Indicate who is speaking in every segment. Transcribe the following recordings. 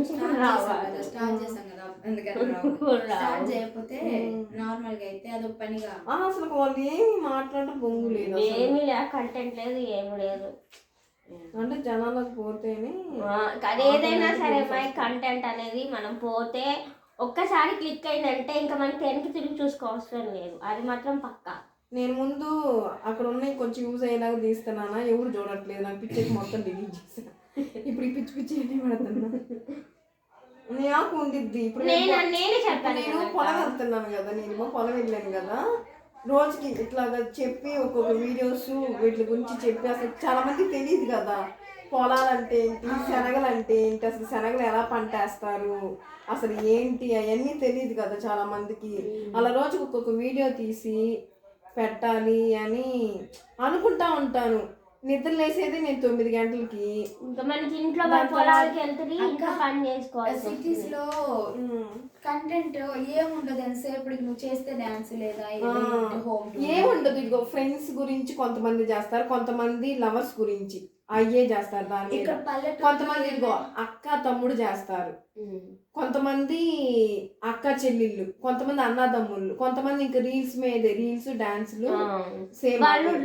Speaker 1: Start చేసాం కదా అందుకని స్టార్ట్ చేయకపోతే నార్మల్ గా అయితే అదొక పనిగా
Speaker 2: అసలు వాళ్ళు ఏమి మాట్లాడటం బొంగు లేదు,
Speaker 3: ఏమీ లేదు, కంటెంట్ లేదు, ఏమి లేదు.
Speaker 2: అంటే జనాలకు పోతేనే
Speaker 3: అది ఏదైనా సరే మై కంటెంట్ అనేది మనం పోతే ఒక్కసారి క్లిక్ అయిందంటే ఇంకా మనకి వెనక్కి తిరిగి చూసుకోవసరం లేదు, అది మాత్రం పక్కా. నేను
Speaker 2: ముందు అక్కడ ఉన్నాయి కొంచెం యూజ్ అయ్యేలాగా తీస్తున్నానా, ఎవరు చూడట్లేదు, నాకు పిచ్చేసి మొత్తం డిలీట్ చేసాను. ఇప్పుడు ఈ పిచ్చి పిచ్చి ఏంటి పెడుతున్నా నాకు ఉండిద్ది. ఇప్పుడు
Speaker 3: నేనే చెప్పాను,
Speaker 2: నేను పొలం వెళ్తున్నాను కదా, నేను పొలం వెళ్ళాను కదా, రోజుకి ఇట్లాగా చెప్పి ఒక్కొక్క వీడియోస్ వీటి గురించి చెప్పి అసలు చాలా మందికి తెలియదు కదా పొలాలంటే ఏంటి, శనగలు అంటే ఏంటి, అసలు శనగలు ఎలా పంట వేస్తారు, అసలు ఏంటి అవన్నీ తెలియదు కదా చాలా మందికి. అలా రోజుకి ఒక్కొక్క వీడియో తీసి పెట్టాలి అని అనుకుంటా ఉంటాను. నిద్ర లేసేది నేను 9 గంటలకి.
Speaker 3: ఇంకా మనకి ఇంట్లో పొలాలకి వెళ్తుంది, ఇంకా పని చేసుకోవాలి.
Speaker 1: సిటీస్ లో కంటెంట్ ఏముండదు, ఎంతసేపు నువ్వు చేస్తే డాన్స్ లేదా
Speaker 2: ఏముండదు. ఇదిగో ఫ్రెండ్స్ గురించి కొంతమంది చేస్తారు, కొంతమంది లవర్స్ గురించి అయ్యే చేస్తారు, దాని కొంతమంది ఇదిగో అక్క తమ్ముడు చేస్తారు, కొంతమంది అక్క చెల్లెళ్ళు, కొంతమంది అన్నదమ్ముళ్ళు, కొంతమంది ఇంకా రీల్స్ మీద రీల్స్ డాన్స్లు సేమ్,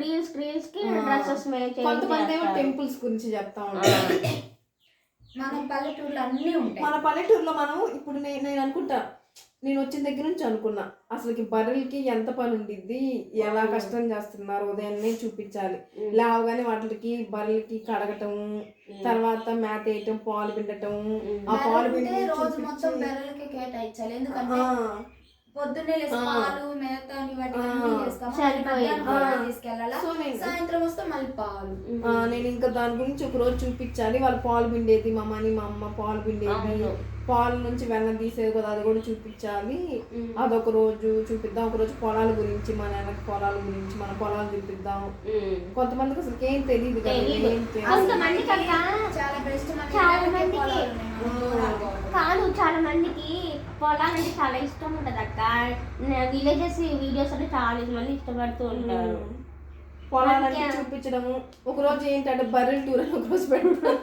Speaker 2: కొంతమంది ఏమో టెంపుల్స్ గురించి చెప్తా ఉంటారు.
Speaker 1: మన పల్లెటూరులో అన్నీ ఉంటాయి.
Speaker 2: మన పల్లెటూరులో మనం ఇప్పుడు నేను అనుకుంటా, నేను వచ్చిన దగ్గర నుంచి అనుకున్నా అసలుకి బర్రెలకి ఎంత పని ఉండిద్ది, ఎలా కష్టం చేస్తున్నారు, ఉదయాన్నే చూపించాలి. లేవగానే వాటికి బర్రెలకి కడగటం, తర్వాత మేత వేయటం, పాలు పిండటం, ఆ పాలు పిండి
Speaker 1: రోజు మొత్తం బర్రెలకి కేటాయించాలి. ఎందుకంటే పొద్దున్నే పాలు మేత తీసుకెళ్ళాలి, సాయంత్రం వస్తే మళ్ళీ పాలు.
Speaker 2: నేను ఇంకా దాని గురించి ఒక రోజు చూపించాలి. వాళ్ళు పాలు పిండేది మా అమ్మ పాలు పిండేది, పాలు నుంచి వెన్న తీసేది కదా, అది కూడా చూపించాలి. అదొక రోజు చూపిద్దాం. ఒక రోజు పొలాల గురించి, మన వెనక పొలాల గురించి, మన పొలాలు చూపిద్దాం. కొంతమందికి అసలు ఏం తెలియదు
Speaker 3: కాదు, చాలా మందికి పొలాలంటే చాలా ఇష్టం ఉంటుంది అక్క. విలేజెస్ వీడియోస్ అంటే చాలా మంది ఇష్టపడుతూ ఉంటారు.
Speaker 2: పొలాలన్నీ చూపించడము. ఒక రోజు ఏంటంటే బర్రెల టూర్ అని ఒక రోజు పెట్టడం,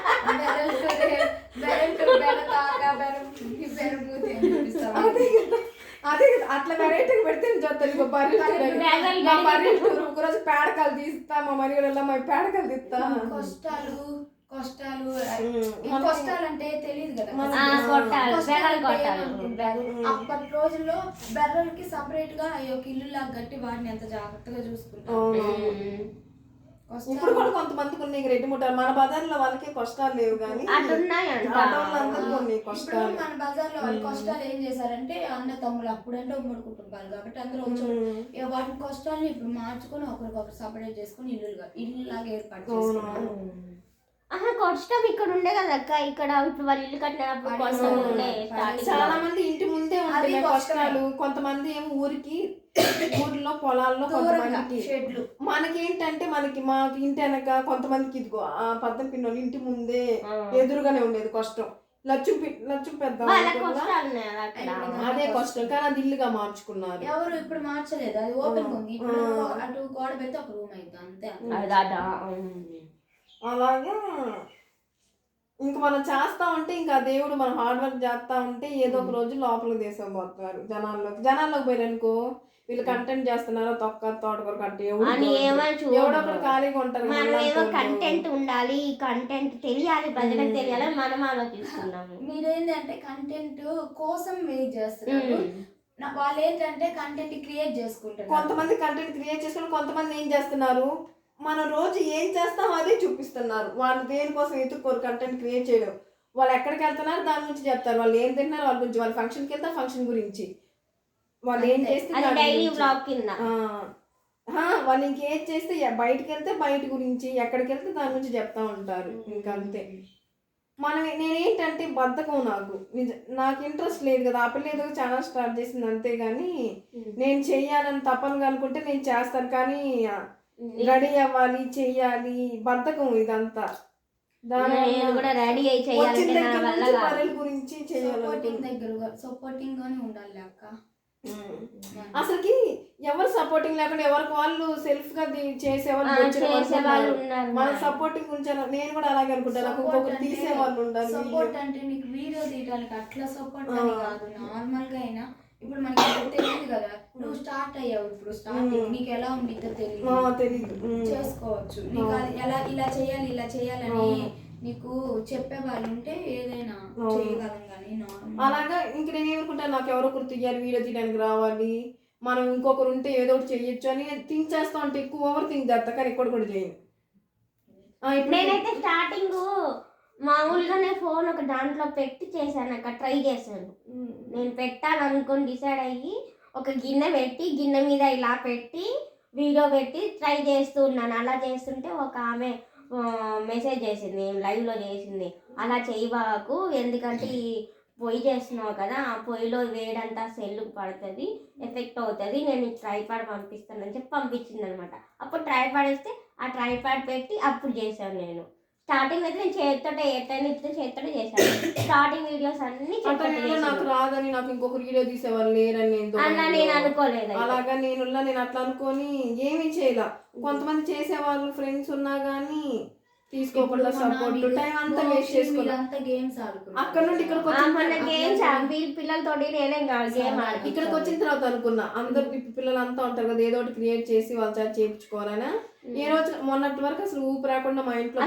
Speaker 2: అదే అట్లా వెరైటీగా పెడితే చూస్తాను. బర్రెల టూర్ ఒక రోజు పేడకాలు తీస్తా, మా మరిగడల్లో మా పేడకాలు తీస్తా.
Speaker 1: కష్టాలు అంటే తెలియదు కదా. అప్పటి రోజుల్లో బెర్రలకి సపరేట్ గా ఒక ఇల్లు లాగా కట్టి వాటిని ఎంత జాగ్రత్తగా చూసుకుంటారు.
Speaker 2: ఇప్పుడు కూడా కొంతమందికి ఉన్నాయి రెడ్డి ముట్టారు. మన బజార్లో వాళ్ళకి కష్టాలు లేవు కానీ
Speaker 1: మన బజార్లో వాళ్ళ కష్టాలు ఏం చేశారంటే అన్న తమ్ముళ్ళు అప్పుడంటే ఉమ్మడి కుటుంబాలు కాబట్టి అందరూ వాటి కష్టాలను ఇప్పుడు మార్చుకొని ఒకరికొకరు సపరేట్ చేసుకుని ఇల్లు లాగా ఏర్పాటు చేసుకున్నారు.
Speaker 3: కష్టం ఇక్కడ ఉండే కదా అక్క, ఇక్కడ ఇప్పుడు వాళ్ళు ఇల్లు కట్టినప్పుడు
Speaker 2: చాలా మంది ఇంటి ముందే ఉంటాయి కష్టాలు. కొంతమంది ఏమో ఊర్లో పొలాల్లో కొంతమందికి షెడ్లు. మనకేంటంటే మాకు ఇంటి వెనక కొంతమందికి ఇదిగో ఆ పద్దం పిన్నోళ్ళు ఇంటి ముందే ఎదురుగానే ఉండేది కష్టం. లచ్చు పెద్ద అదే కష్టం, కానీ అది ఇల్లుగా మార్చుకున్నారు.
Speaker 1: ఎవరు ఇప్పుడు మార్చలేదు, అది ఓపెన్ ఉంది. ఇప్పుడు అటు గోడ పెడితే ఒక రూమ్ అయితే అంతే.
Speaker 2: అలాగా ఇంక మనం చేస్తా ఉంటే ఇంకా దేవుడు మనం హార్డ్ వర్క్ చేస్తా ఉంటే ఏదో ఒక రోజు లోపలికి తీసుకుపోతున్నారు. జనాల్లోకి పోయారనుకో, వీళ్ళు కంటెంట్ చేస్తున్నారు తోటకూర కట్టి ఎవడొకడు ఖాళీగా ఉంటారు.
Speaker 3: మనమేమో కంటెంట్ ఉండాలి, కంటెంట్ తెలియాలి, ప్రజలకు తెలియాలి మనం ఆలోచిస్తున్నాము.
Speaker 1: మీరేంటంటే కంటెంట్ కోసం వెయిట్ చేస్తున్నారు. వాళ్ళు ఏంటంటే కంటెంట్ క్రియేట్ చేసుకుంటారు.
Speaker 2: కొంతమంది కంటెంట్ క్రియేట్ చేసుకుని, కొంతమంది ఏం చేస్తున్నారు, మనం రోజు ఏం చేస్తాం అదే చూపిస్తున్నారు. వాళ్ళు దేనికోసం ఎత్తుక్కోరు కంటెంట్ క్రియేట్ చేయడం. వాళ్ళు ఎక్కడికి వెళ్తున్నారు దాని గురించి చెప్తారు, వాళ్ళు ఏం తింటున్నారు వాళ్ళ గురించి, వాళ్ళ ఫంక్షన్కి వెళ్తే ఫంక్షన్ గురించి, వాళ్ళు ఏం చేస్తే వాళ్ళు ఇంకేం చేస్తే బయటకు వెళ్తే బయట గురించి, ఎక్కడికి వెళ్తే దాని గురించి చెప్తా ఉంటారు. ఇంకంతే. నేనేంటంటే బద్ధకం, నాకు ఇంట్రెస్ట్ లేదు కదా. ఆ పిల్ల ఏదో ఛానల్ స్టార్ట్ చేసింది అంతేగాని నేను చెయ్యాలని తప్పనుగా అనుకుంటే నేను చేస్తాను, కానీ రెడీ అవ్వాలి చెయ్యాలి బద్ధకం ఇదంతా.
Speaker 1: గురించి సపోర్టింగ్ గానే ఉండాలి అక్క.
Speaker 2: అసలుకి ఎవరు సపోర్టింగ్ లేకుండా ఎవరికి వాళ్ళు సెల్ఫ్ గా చేసేవాళ్ళు
Speaker 3: చేసేవాళ్ళు ఉన్నారు.
Speaker 2: మన సపోర్టింగ్ ఉంచారు. నేను కూడా అలాగే అనుకుంటాను. నాకు ఇంకొకరు తీసేవాళ్ళు ఉండాలి.
Speaker 1: సపోర్ట్ అంటే నీకు వీడియో తీయడానికి అట్లా సపోర్ట్ అని కాదు, నార్మల్ గా అయినా ఇప్పుడు మనకి ఇప్పుడు తెలియదు కదా, నువ్వు స్టార్ట్ అయ్యావు, ఇప్పుడు స్టార్టింగ్ నీకు ఎలా ఉండిద్దో తెలియదు, చేసుకోవచ్చు. నీకు అది ఎలా ఇలా చేయాలని నీకు చెప్పే వాళ్ళు ఉంటే ఏదైనా చేయగలం కానీ
Speaker 2: అలాగా ఇంక నేను ఏమనుకుంటాను, నాకు ఎవరో ఒకరు తీయాలి, వీడియో తీయడానికి రావాలి, మనం ఇంకొకరు ఉంటే ఏదో ఒకటి చెయ్యొచ్చు అని థింక్ చేస్తా ఉంటే ఎక్కువ ఓవర్ థింక్ చేస్తా, కానీ ఇక్కడ కూడా చేయను.
Speaker 3: నేనైతే స్టార్టింగ్ మామూలుగానే ఫోన్ ఒక దాంట్లో పెట్టి చేశాను, అక్కడ ట్రై చేశాను. నేను పెట్టాలనుకొని డిసైడ్ అయ్యి ఒక గిన్నె పెట్టి గిన్నె మీద ఇలా పెట్టి వీడియో పెట్టి ట్రై చేస్తూ ఉన్నాను. అలా చేస్తుంటే ఒక ఆమె మెసేజ్ చేసింది, లైవ్లో చేసింది, అలా చేయబాకు, ఎందుకంటే ఈ పొయ్యి చేస్తున్నావు కదా, ఆ పొయ్యిలో వేడంతా సెల్లుకు పడుతుంది, ఎఫెక్ట్ అవుతుంది, నేను ట్రైపాడ్ పంపిస్తానని చెప్పి పంపించింది అనమాట. అప్పుడు ట్రైపాడ్ వేస్తే ఆ ట్రైపాడ్ పెట్టి అప్పుడు చేశాను. నేను స్టార్టింగ్ అయితే నేను చేతితోటే చేశాను. స్టార్టింగ్ వీడియోస్ అన్ని
Speaker 2: నాకు రాదని, నాకు ఇంకొక వీడియో తీసేవాళ్ళు లేరని
Speaker 3: అలా నేను అనుకోలేదు.
Speaker 2: అలాగా నేను అట్లా అనుకొని ఏమీ చేయలే. కొంతమంది చేసేవాళ్ళు ఫ్రెండ్స్ ఉన్నా గానీ తీసుకోకుండా సపోర్ట్ టైం అంతా వేస్ట్ చేసుకున్నాం. అక్కడ నుండి ఇక్కడికి ఇక్కడికి వచ్చిన తర్వాత అనుకున్నా, అందరు పిల్లలంతా ఉంటారు కదా, ఏదో ఒకటి క్రియేట్ చేసి వాళ్ళ చేత చేయించుకోవాలని. ఏ రోజు మొన్నటి వరకు అసలు ఊపి రాకుండా మా ఇంట్లో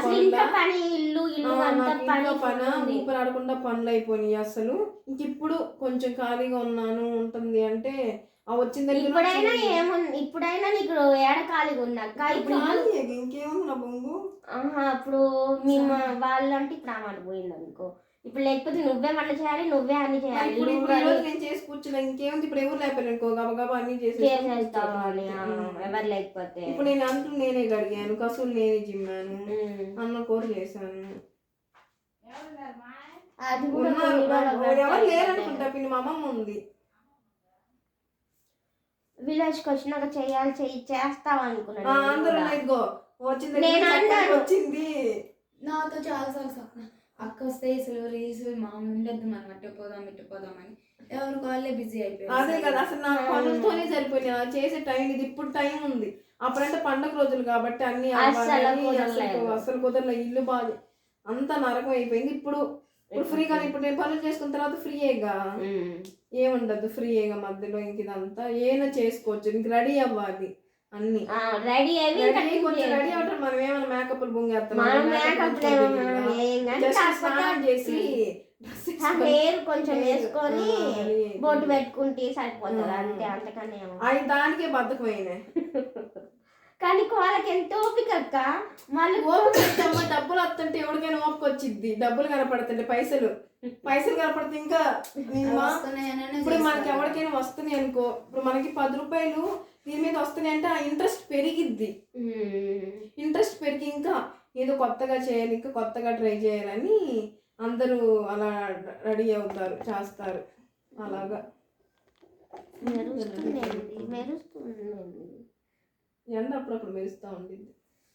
Speaker 2: ఊపి రాకుండా పనులు అయిపోయినాయి. అసలు ఇంక ఇప్పుడు కొంచెం ఖాళీగా ఉన్నాను ఉంటుంది అంటే వచ్చిన
Speaker 3: ఇప్పుడైనా నీకు ఏడ ఖాళీగా ఉన్నాక
Speaker 2: ఇంకేముంది నా బొంగు.
Speaker 3: అప్పుడు మేము వాళ్ళు అంటే ఇప్పుడు ఆ మాట పోయింది అనుకో, ఇప్పుడు లేకపోతే నువ్వే వంట చేయాలి, నువ్వే అన్ని చేయాలి.
Speaker 2: నేను చేసి కూర్చున్నా, ఇంకేముంది ఇప్పుడు ఎవరు లేకపోయారు అనుకో, గబగబా అన్ని
Speaker 3: చేసేస్తావు ఎవరు లేకపోతే.
Speaker 2: ఇప్పుడు నేను అంటూ నేనే గడిగాను, కసులు నేనే జిమ్మాను, అన్న కూర చేశాను. ఎవరు లేరనుకుంటా, పిన్ని మా అమ్మమ్మ ఉంది.
Speaker 3: విలేజ్కి వచ్చినాక చేస్తావు అనుకున్నాను.
Speaker 2: అందరూ ఇదిగో వచ్చింది
Speaker 1: నాతో చాలాసార్లు చెప్పిన, అక్క వస్తే అసలు రీల్స్ మామూలు ఉండద్దు, మనం అట్టు పోదామని ఎవరికి వాళ్ళే బిజీ అయిపోయారు.
Speaker 2: అదే కదా, అసలు నా పనులతోనే సరిపోయింది చేసే టైం. ఇది ఇప్పుడు టైం ఉంది, అప్పుడంటే పండగ రోజులు కాబట్టి అన్ని అసలు కుదరలే. ఇల్లు బాగా అంతా నరకం అయిపోయింది. ఇప్పుడు ఫ్రీగా, ఇప్పుడు నేను పనులు చేసుకున్న తర్వాత ఫ్రీయేగా, ఏముండదు ఫ్రీయేగా మధ్యలో. ఇంక ఇదంతా ఏమైనా చేసుకోవచ్చు, ఇంక రెడీ అవ్వాలి అన్ని
Speaker 3: రెడీ అయ్యి
Speaker 2: కొంచెం రెడీ అవుతారు. మనం ఏమైనా మేకప్లు బొంగేస్తాం, స్నానం చేసి
Speaker 3: హెయిర్ కొంచెం వేసుకొని బొట్టు పెట్టుకుంటే సరిపోతుంది అంతే, అంతకన్నా
Speaker 2: అవి దానికే బద్దకమైన.
Speaker 3: కానీ వాళ్ళకి ఎంత ఓపిక అక్క, మళ్ళీ
Speaker 2: ఓపిక డబ్బులు వస్తుంటే ఎవరికైనా ఓపిక వచ్చింది, డబ్బులు కనపడుతుంటే పైసలు కనపడితే ఇంకా ఇప్పుడు మనకి ఎవరికైనా వస్తున్నాయి అనుకో, ఇప్పుడు మనకి 10 రూపాయలు దీని మీద వస్తున్నాయి అంటే ఆ ఇంట్రెస్ట్ పెరిగిద్ది. ఇంట్రెస్ట్ పెరిగి ఇంకా ఏదో కొత్తగా చేయాలి, ఇంకా కొత్తగా ట్రై చేయాలని అందరూ అలా రెడీ అవుతారు, చేస్తారు. అలాగా ఎండ అప్పుడప్పుడు మెరుస్తూ ఉండిద్ది.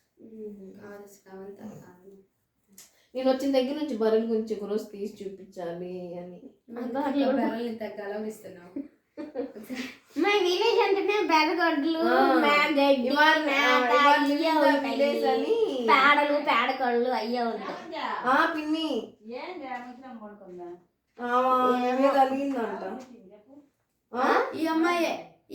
Speaker 2: నేను వచ్చిన దగ్గర నుంచి బర్రెల గురించి ఒక రోజు తీసి చూపించాలి అని.
Speaker 3: మా విలేజ్ అంటేనే బెరగొడ్లు, పేడలు, పేడకొళ్ళు అయ్యే ఉంటాయి.
Speaker 2: పిన్ని అలిగిందంట.
Speaker 1: ఈ అమ్మాయి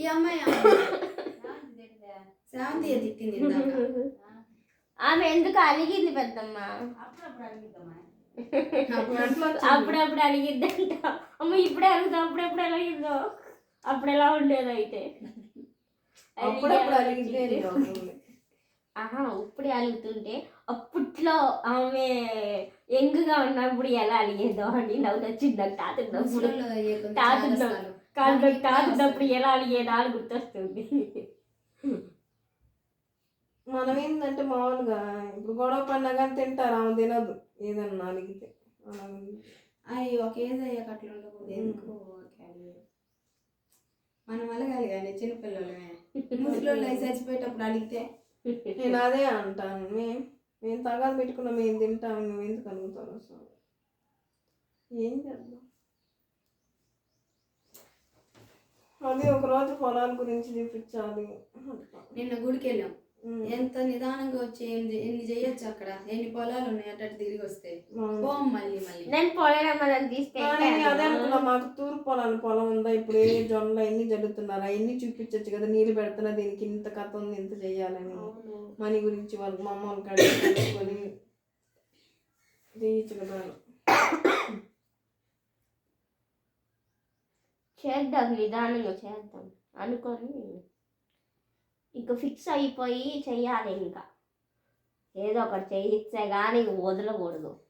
Speaker 1: శాంతి తిట్టింది.
Speaker 3: ఆమె ఎందుకు అలిగింది పెద్దమ్మ, అప్పుడప్పుడు అలిగిద్దంట. అమ్మ ఇప్పుడే అలుగుతాం, అప్పుడెప్పుడు అలిగిందో, అప్పుడు ఎలా ఉండేది అయితే. ఇప్పుడే అలుగుతుంటే అప్పట్లో ఆమె యంగ్గా ఉన్నప్పుడు ఎలా అలిగేదో అని నవ్వు వచ్చింది నాకు. తాతున్నప్పుడు ఎలా అలిగేదా అని గుర్తొస్తుంది.
Speaker 2: మనం ఏంటంటే మామూలుగా ఇప్పుడు గొడవ పడినా తింటారు, ఆమె తినదు ఏదన్నా అలిగితే.
Speaker 1: అవి ఒక ఏజ్ అయ్యాక అట్లా ఉండకూడదు. ఎందుకు మనం అలగాలి కానీ చిన్నపిల్లలమే, ముసలి చచ్చిపోయేటప్పుడు అడిగితే
Speaker 2: నేను అదే అంటాను. మేము తగాదు పెట్టుకున్నాం, మేము తింటాము, మేము ఎందుకు అడుగుతారు అసలు. ఏం చేద్దాం. అది ఒక రోజు పొలాల గురించి చూపించాలి.
Speaker 1: నిన్న గుడికి వెళ్ళాం, ఎంత నిదానంగా వచ్చి ఎన్ని చేయొచ్చు అక్కడ, ఎన్ని పొలాలు ఉన్నాయి అటు తిరిగి వస్తే పోం మళ్ళీ మళ్ళీ.
Speaker 3: నేను పొలం
Speaker 2: అదే అనుకున్నా, మాకు తూర్పు పొలం ఉందా, ఇప్పుడు ఏ జొన్నలు అన్ని జరుగుతున్నారు, అవన్నీ చూపించచ్చు కదా, నీళ్ళు పెడుతున్నా దీనికి ఇంత కథ ఉంది, ఇంత చెయ్యాలని, మనీ గురించి వాళ్ళకి మా అమ్మ వాళ్ళకి అడుగుకొని చేయొచ్చు కదా.
Speaker 3: చేద్దాం, నిదానంగా చేద్దాం అనుకొని ఇంకా ఫిక్స్ అయిపోయి చెయ్యాలి. ఇంకా ఏదో ఒకటి చేయిస్తే కానీ వదలకూడదు.